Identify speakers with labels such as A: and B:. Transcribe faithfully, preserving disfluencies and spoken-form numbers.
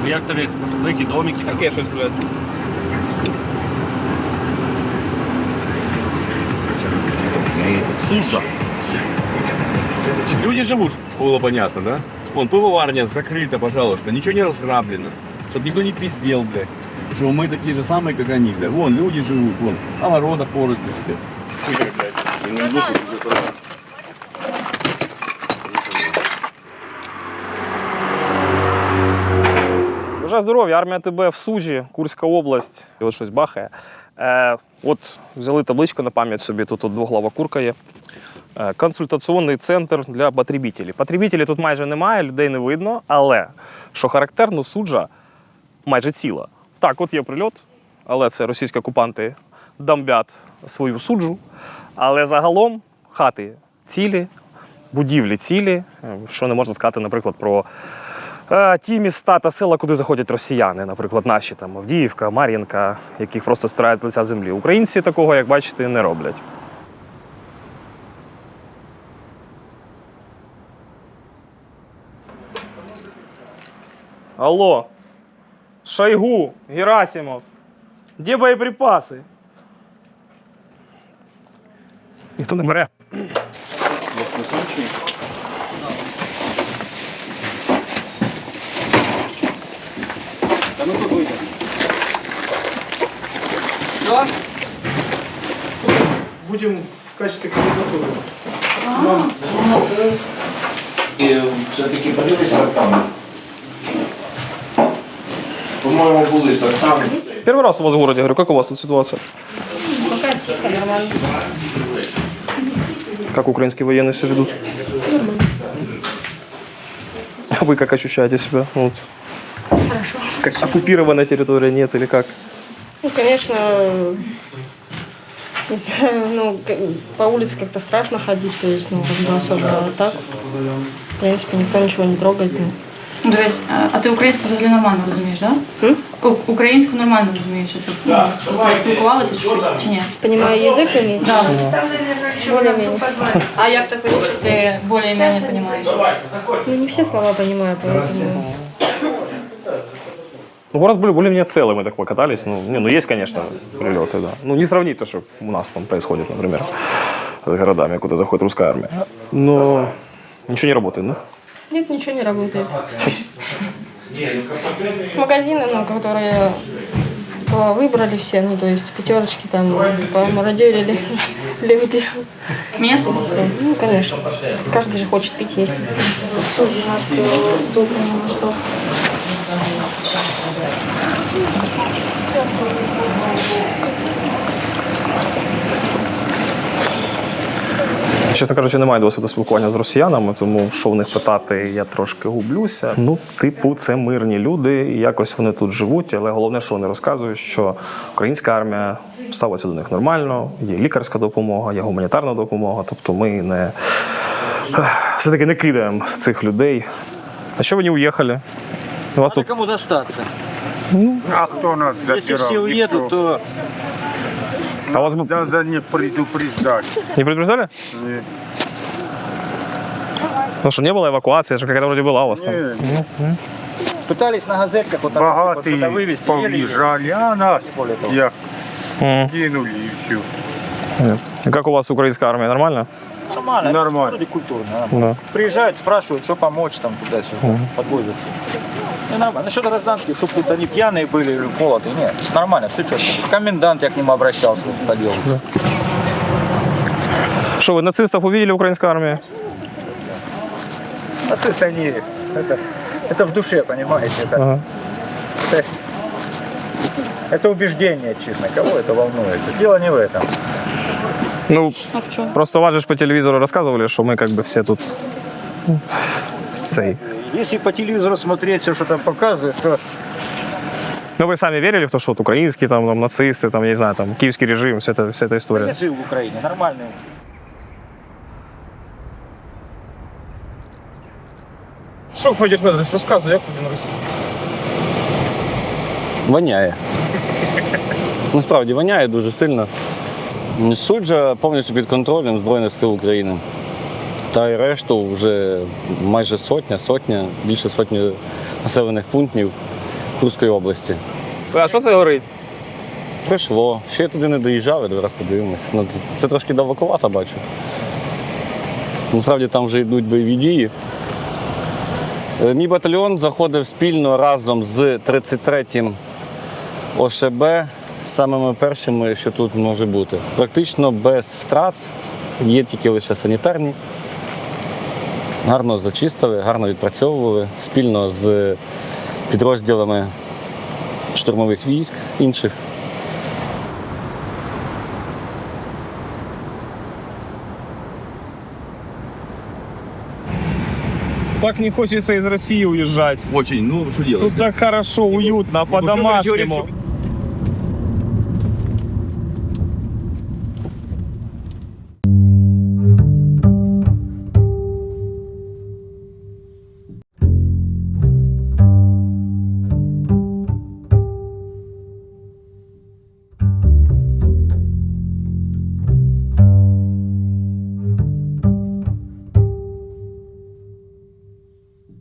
A: Ну як тобі великі домики?
B: Таке щось, блядь.
A: Суша.
B: Люди живут, было понятно, да? Вон, пивоварня закрыта, пожалуйста, ничего не разграблено. Чтобы никто не пиздел, блядь. Что мы такие же самые, как они, блядь. Вон, люди живут, вон, огорода порют для себя. Хуя, блядь. И не идут, и идут.
C: Бажаю здоров'я, армія ТБ в Суджі, Курська область, і от щось бахає. Е, от взяли табличку на пам'ять собі, тут от двоглава курка є. Е, консультаційний центр для потребителів. Потребителів тут майже немає, людей не видно, але, що характерно, Суджа майже ціла. Так, от є прильот, але це російські окупанти дамбять свою Суджу. Але загалом хати цілі, будівлі цілі, що не можна сказати, наприклад, про ті міста та села, куди заходять росіяни, наприклад, наші там Авдіївка, Мар'їнка, яких просто стирають з лиця землі. Українці такого, як бачите, не роблять. Алло, Шойгу, Герасимов, де боєприпаси? Ніхто не бере.
B: Ну, тут выйдет.
C: Да? Будем в качестве кандидатуры.
D: И все-таки подивись сортами. По-моему, були сортами.
C: Первый раз у вас в городе, говорю, как у вас тут ситуация?
E: Пока тихо, нормально.
C: Как украинские военные себя ведут?
E: Нормально.
C: А вы как ощущаете себя? Вот.
E: Хорошо.
C: Как оккупированная территория нет или как?
E: Ну, конечно, не знаю, ну, к- по улице как-то страшно ходить, то есть, ну, как бы особо а так. В принципе, никто ничего не трогает. Ну.
F: Ну, дивись, а- а ти українську взагалі нормально розумієш, так?
E: М?
F: Да? Українську нормально розумієш, що ти просто спілкувалася чуть-чуть, чи ні?
E: Понимаю язык уметь?
F: Да.
E: Более-менее.
F: А як так вийшло, що ти більш-менш розумієш?
E: Ну, не все слова понимаю, поэтому...
C: Ну, город более- более-менее целый, мы так покатались. Ну, не, ну, есть, конечно, прилеты, да. Ну, не сравнить то, что у нас там происходит, например, с городами, куда заходит русская армия. Но ничего не работает, да?
E: Нет, ничего не работает. Магазины, ну, которые э, выбрали все, ну, то есть пятерочки там помародерили люди.
F: М'ясо?
E: Все. Ну, конечно. Каждый же хочет пить, есть.
C: Чесно кажучи, немає досвіду спілкування з росіянами, тому що в них питати, я трошки гублюся. Ну, типу, це мирні люди, і якось вони тут живуть, але головне, що вони розказують, що українська армія ставиться до них нормально, є лікарська допомога, є гуманітарна допомога, тобто ми не все-таки не кидаємо цих людей. А що ви не уїхали? У вас
A: А
C: тут...
A: кому достаться?
G: А кто нас запирал?
A: Если все уедут,
G: Никто.
A: то
C: А вас бы
G: Надо не предупреждать.
C: не предупреждали?
G: Не,
C: Потому что не было эвакуации, же какая-то вроде была у вас там.
G: не.
A: пытались на газетках вот так вот сюда
G: Богатые
A: вывести. еле-
G: повъезжали, а нас
A: Более того.
G: я
C: Мгм.
G: кинули и все.
C: И как у вас украинская армия, нормально?
A: Нормально.
G: Нормально.
A: Вроде культурно.
C: Да.
A: Приезжают, спрашивают, что помочь там туда-сюда.
C: Мгм.
A: Подвозят что. Ну, нормально. Насчет гражданских, чтобы тут они пьяные были или молодые. Нет, нормально, все четко. Комендант я к нему обращался по делу.
C: Что, вы нацистов увидели в украинской армии?
A: Нацисты они, это, это в душе, понимаете. Это,
C: Ага.
A: это, это убеждение, честно. Кого это волнует? Дело не в этом.
C: Ну,
F: А в чому?
C: просто вас же ж по телевизору рассказывали, что мы как бы все тут цей.
A: Если по телевизору смотреть все, что там показывают, то
C: Ну, вы сами верили в то, что вот украинские там, там нацисты, там, я не знаю, там, киевский режим, вся эта, вся эта
A: я
C: история?
A: жил в Украине, нормальный.
C: Що, Федір Федорович, розказуй, як тобі на Росії?
H: Воняє. Насправді воняє дуже сильно. Суджа повністю під контролем Збройних сил України. Та й решту вже майже сотня, сотня, більше сотні населених пунктів. Курської області.
C: А що це горить?
H: Прийшло. Ще я туди не доїжджав, зараз подивимося. Ну, це трошки далекувато, бачу. Насправді там вже йдуть бойові дії. Е, Мій батальйон заходив спільно разом з тридцять третім О Ш Б, самими першими, що тут може бути. Практично без втрат, є тільки лише санітарні. Гарно зачистили, гарно відпрацьовували спільно з підрозділами штурмових військ інших.
C: Так не хочеться із Росії уїжджати.
B: Очень, ну что делать?
C: Тут так хорошо, уютно,
B: Ну, короче, говорят,
C: по-домашнему.
B: что